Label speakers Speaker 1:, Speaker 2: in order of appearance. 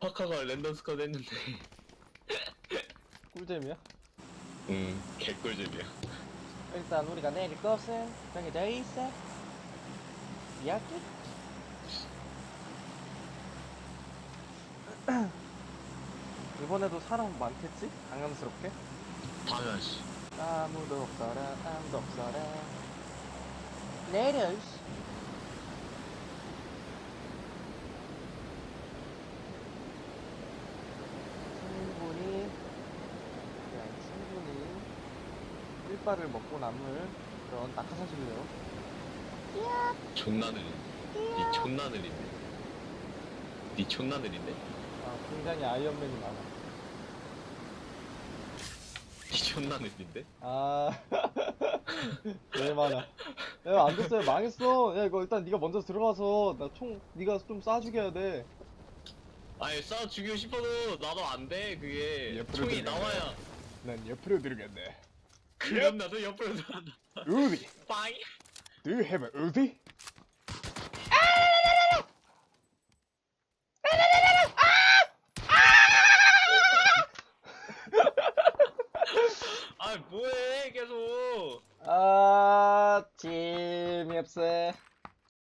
Speaker 1: 파카가 랜덤 스쿼드 했는데
Speaker 2: 꿀잼이야?
Speaker 1: 개꿀잼이야.
Speaker 2: 일단 우리가 내릴 것은 정해져 있어. 이야기? 이번에도 사람 많겠지? 당연스럽게?
Speaker 1: 당연시.
Speaker 2: 아무도 없어라 아무도 없어라 내려 이씨. 충분히 일바를 먹고 남을 그런 낙하산실이에요.
Speaker 1: 존나 느린데. 니 존나 느린데. 니 존나 느린데.
Speaker 2: 아, 굉장히 아이언맨이 많아.
Speaker 1: 니 존나 느린데.
Speaker 2: 아, 왜 많아. 야, 안 됐어요. 망했어. 야, 이거 일단 네가 먼저 들어가서 나 총 네가 좀 쏴주게 해야 돼.
Speaker 1: 아니 싸 죽이고 싶어도 나도 안 돼. 그게
Speaker 2: 옆으로
Speaker 1: 총이
Speaker 2: 들어가네.
Speaker 1: 나와야.
Speaker 2: 난 옆으로 들어갔네.
Speaker 1: 그럼 나도 옆으로 들어간다.
Speaker 2: 우디,
Speaker 1: 빵.
Speaker 2: do you have a 우디?
Speaker 1: 아 뭐해 계속.
Speaker 2: 아,